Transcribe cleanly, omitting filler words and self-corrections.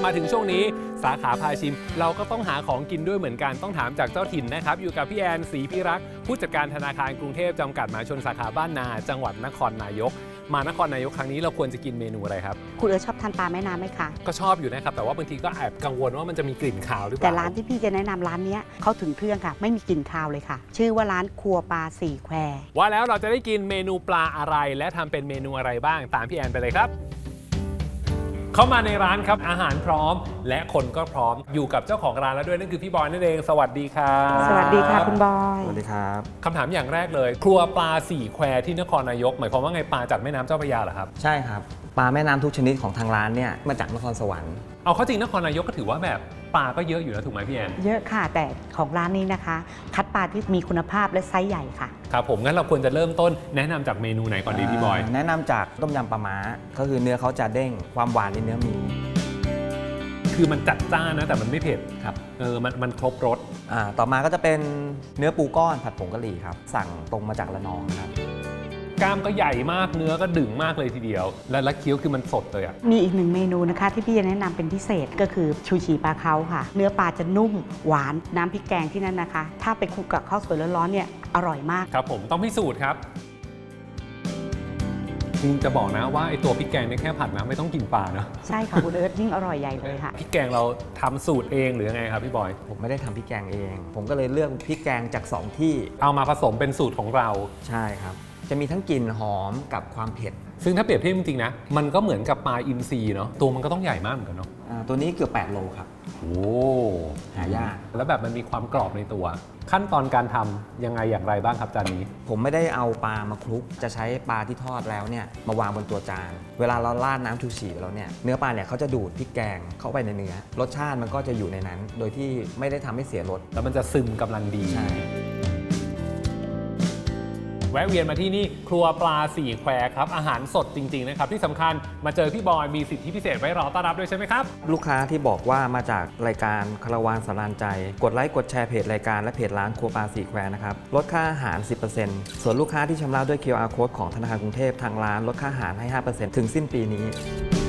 มาถึงช่วงนี้สาขาพาชิมเราก็ต้องหาของกินด้วยเหมือนกันต้องถามจากเจ้าถิ่นนะครับอยู่กับพี่แอนศรีพิรักษ์ผู้จัดการธนาคารกรุงเทพจำกัดมหาชนสาขาบ้านนาจังหวัดนครนายกมานครนายกครั้งนี้เราควรจะกินเมนูอะไรครับคุณเอิร์ธชอบทานปลาแม่น้ำไหมคะก็ชอบอยู่นะครับแต่ว่าบางทีก็แอบกังวลว่ามันจะมีกลิ่นคาวหรือเปล่าแต่ร้านที่พี่จะแนะนำร้านนี้เขาถึงเครื่องค่ะไม่มีกลิ่นคาวเลยค่ะชื่อว่าร้านครัวปลาสี่แควว่าแล้วเราจะได้กินเมนูปลาอะไรและทำเป็นเมนูอะไรบ้างตามพี่แอนไปเลยครับเข้ามาในร้านครับอาหารพร้อมและคนก็พร้อมอยู่กับเจ้าของร้านแล้วด้วยนั่นคือพี่บอยนั่นเองสวัสดีครับสวัสดีค่ะคุณบอยสวัสดีครับคำถามอย่างแรกเลยครัวปลาสี่แควที่นครนายกหมายความว่าไงปลาจากแม่น้ำเจ้าพระยาเหรอครับใช่ครับปลาแม่น้ำทุกชนิดของทางร้านเนี่ยมาจากนครสวรรค์เอาเข้าจริงนครนายกก็ถือว่าแบบปลาก็เยอะอยู่นะถูกไหมพี่แอนเยอะค่ะแต่ของร้านนี้นะคะคัดปลาที่มีคุณภาพและไซส์ใหญ่ค่ะครับผมงั้นเราควรจะเริ่มต้นแนะนำจากเมนูไหนก่อนดีพี่บอยแนะนำจากต้มยำปลาม้าก็คือเนื้อเขาจะเด้งความหวานในเนื้อมีคือมันจัดจ้านนะแต่มันไม่เผ็ดครับมันครบรสต่อมาก็จะเป็นเนื้อปูก้อนผัดผงกะหรี่ครับสั่งตรงมาจากระนองครับกล้ามก็ใหญ่มากเนื้อก็ดึงมากเลยทีเดียวและเคี้ยวคือมันสดเลยอ่ะมีอีกหนึ่งเมนูนะคะที่พี่จะแนะนำเป็นพิเศษก็คือชูชีปลาเค้าค่ะเนื้อปลาจะนุ่มหวานน้ำพริกแกงที่นั่นนะคะถ้าไปคลุกกับข้าวสวยร้อนๆเนี่ยอร่อยมากครับผมต้องพิสูจน์ครับจริงจะบอกนะว่าไอตัวพริกแกงเนี่ยแค่ผัดนะไม่ต้องกินปลาเนาะใช่ค่ะคุณเอิร์ธยิ่งอร่อยใหญ่เลยค่ะพริกแกงเราทำสูตรเองหรือยังไงครับพี่บอยผมไม่ได้ทำพริกแกงเองผมก็เลยเลือกพริกแกงจาก2ที่เอามาผสมเป็นสูตรของเราใช่ครับจะมีทั้งกลิ่นหอมกับความเผ็ดซึ่งถ้าเปรียบเทียบจริงๆนะมันก็เหมือนกับปลาอินทรีเนาะตัวมันก็ต้องใหญ่มากเหมือนกันเนาะตัวนี้เกือบ8 โลครับโอ้หายากแล้วแบบมันมีความกรอบในตัวขั้นตอนการทำยังไงอย่างไรบ้างครับจานนี้ผมไม่ได้เอาปลามาคลุกจะใช้ปลาที่ทอดแล้วเนี่ยมาวางบนตัวจานเวลาเราราดน้ำชูชีแล้วเนี่ยเนื้อปลาเนี่ยเขาจะดูดพริกแกงเข้าไปในเนื้อรสชาติมันก็จะอยู่ในนั้นโดยที่ไม่ได้ทำให้เสียรสแล้วมันจะซึมกำลังดีใช่แวะเวียนมาที่นี่ครัวปลาสี่แควครับอาหารสดจริงๆนะครับที่สำคัญมาเจอพี่บอยมีสิทธิพิเศษไว้รอต้อนรับด้วยใช่ไหมครับลูกค้าที่บอกว่ามาจากรายการคาราวานสารานใจกดไลค์กดแชร์เพจรายการและเพจร้านครัวปลาสี่แควนะครับลดค่าอาหาร 10% ส่วนลูกค้าที่ชำระด้วย QR Code ของธนาคารกรุงเทพทางร้านลดค่าอาหารให้ 5% ถึงสิ้นปีนี้